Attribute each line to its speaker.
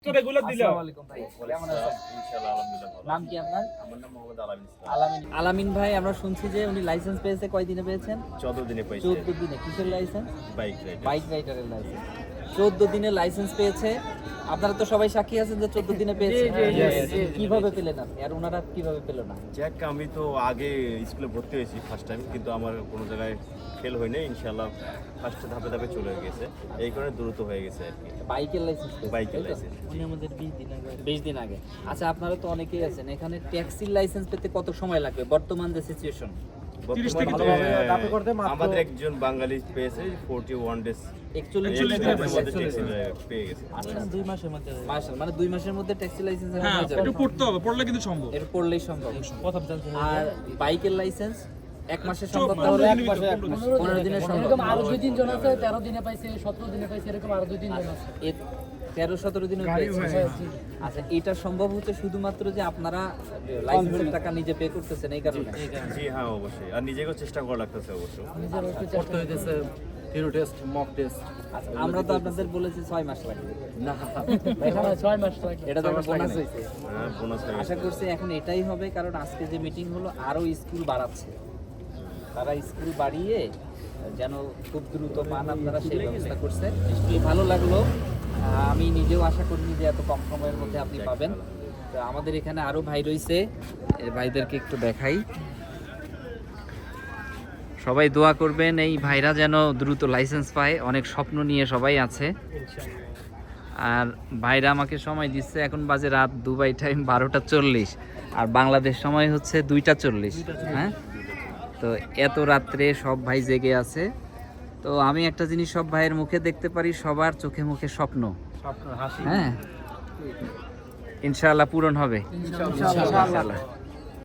Speaker 1: আলামিন ভাই, আমরা শুনছি যে উনি লাইসেন্স পেয়েছে কয়দিনে পেয়েছেন?
Speaker 2: 14 দিনে পেয়েছে।
Speaker 1: 14 দিনে। কিসের লাইসেন্স?
Speaker 2: Bike
Speaker 1: রাইডারের licence. 14 দিনে লাইসেন্স পেয়েছে। আপনারা তো সবাই সাক্ষী আছেন যে 14 দিনে পেয়েছে। কিভাবে পেলেন আপনি আর ওনারা কিভাবে পেল না?
Speaker 2: যাক, আমি তো আগে স্কুলে ভর্তি হয়েছি ফার্স্ট টাইম, কিন্তু আমার কোনো জায়গায় ফেল হয়নি, ইনশাআল্লাহ ফার্স্ট ধাপে ধাপে চলে গেছে, এই কারণে দ্রুত হয়ে গেছে আর কি।
Speaker 1: বাইকের লাইসেন্স পেয়েছে?
Speaker 2: বাইকের লাইসেন্স
Speaker 1: উনি আমাদের 20 দিন আগে। আচ্ছা, আপনারা তো অনেকেই আছেন এখানে, ট্যাক্সির লাইসেন্স পেতে কত সময় লাগবে বর্তমান যে সিচুয়েশন?
Speaker 2: আমাদের একজন বাঙালি পেয়েছে 41 ডেজ,
Speaker 1: 41 দিনের মধ্যে
Speaker 2: পেয়ে গেছে।
Speaker 1: আচ্ছা, 2 মাসের মধ্যে, মানে 2 মাসের মধ্যে ট্যাক্সি লাইসেন্স হয়ে যাবে।
Speaker 3: একটু পড়তে হবে, পড়লে কিন্তু সম্ভব,
Speaker 1: এর পড়লেই সম্ভব। আর বাইকের লাইসেন্স 1 মাসে সম্ভব, তাহলে 15 দিনের সম্ভব।
Speaker 4: এরকম আরো 2-3 জন আছে 13 দিনে পাইছে, 17 দিনে পাইছে, এরকম আরো 2-3 জন আছে।
Speaker 1: 13-17 দিনে পেয়েছে। আচ্ছা, এটা সম্ভব হচ্ছে শুধুমাত্র যে আপনারা লাইসেন্সের টাকা নিজে পে করতেছেন এই কারণে?
Speaker 2: জি হ্যাঁ, অবশ্যই। আর নিজেকেও চেষ্টা করা লাগতেছে অবশ্য,
Speaker 4: করতে হইতেছে থিওরি টেস্ট, মক টেস্ট।
Speaker 1: আচ্ছা, আমরা তো আপনাদের বলেছি 6 মাস লাগবে।
Speaker 4: না, এখানে 6 মাস লাগে।
Speaker 1: এটা তো বোনাস হইছে।
Speaker 2: হ্যাঁ, বোনাস হয়ে
Speaker 1: আশা
Speaker 2: গেছে।
Speaker 1: করছি এখন এটাই হবে, কারণ আজকে যে মিটিং হলো আরো স্কুল বাড়াচ্ছে, তারা স্কুল বাড়িয়ে যেন খুব দ্রুত পান আপনারা সেই ব্যবস্থা করছে। খুব ভালো লাগলো। আমি নিজেও আশা করিনি যে এত কম সময়ের মধ্যে আপনি পাবেন। তো আমাদের এখানে আরো ভাই রয়েছে, এই ভাইদেরকে একটু দেখাই। সবাই দোয়া করবেন এই ভাইরা যেন দ্রুত লাইসেন্স পায়, অনেক স্বপ্ন নিয়ে সবাই আছে। আর ভাইরা আমাকে সময় দিচ্ছে, এখন বাজে রাত দুবাই টাইম 12টা 40, আর বাংলাদেশ সময় হচ্ছে 2টা 40। হ্যাঁ, তো এত রাত্রে সব ভাই জেগে আছে। তো আমি একটা জিনিস সব ভাইয়ের মুখে দেখতে পারি, সবার চোখে মুখে স্বপ্ন। হ্যাঁ, ইনশাআল্লাহ পূরণ হবে। ইনশাআল্লাহ।